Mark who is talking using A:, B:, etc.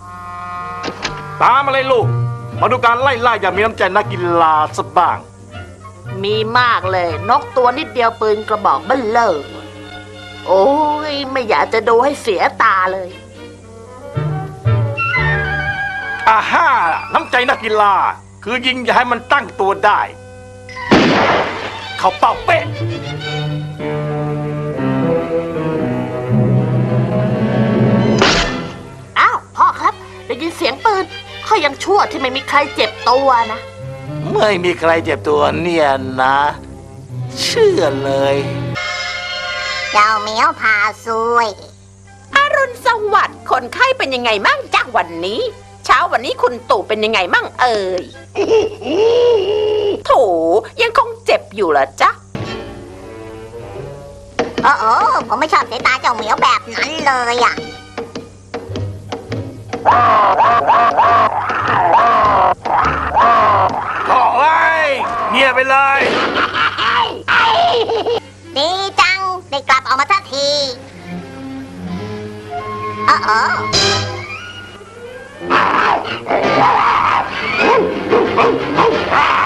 A: ตามมาเลยลูกมาดูการไล่ล่าอย่างมีน้ำใจนักกีฬาสักบ้าง
B: มีมากเลยนกตัวนิดเดียวปืนกระบอกเบ้อเร่อโอ้ยไม่อยากจะดูให้เสียตาเลย
A: อาฮ่าน้ำใจนักกีฬาคือยิงอย่าให้มันตั้งตัวได้เขาเป่าเป๊ะ
B: อ้าวพ่อครับได้ยินเสียงปืนเขายังชั่วที่ไม่มีใครเจ็บตัวนะ
A: ไม่มีใครเจ็บตัวเนี่ยนะเชื่อเลย
C: เจ้าเหมียวพาซวย
D: อรุณสวัสดิ์คนไข้เป็นยังไงมั่งจ้าวันนี้เช้าวันนี้คุณตู่เป็นยังไงมั่งเอ่ยโถยังคงเจ็บอยู่เหรอจ๊ะ
C: โอ้ผมไม่ชอบสายตาเจ้าเหมียวแบบนั้นเลยอ่ะ
A: โอ้ยเงียบไปเลย
C: ดีจังได้กลับออกมาสักทีโอ้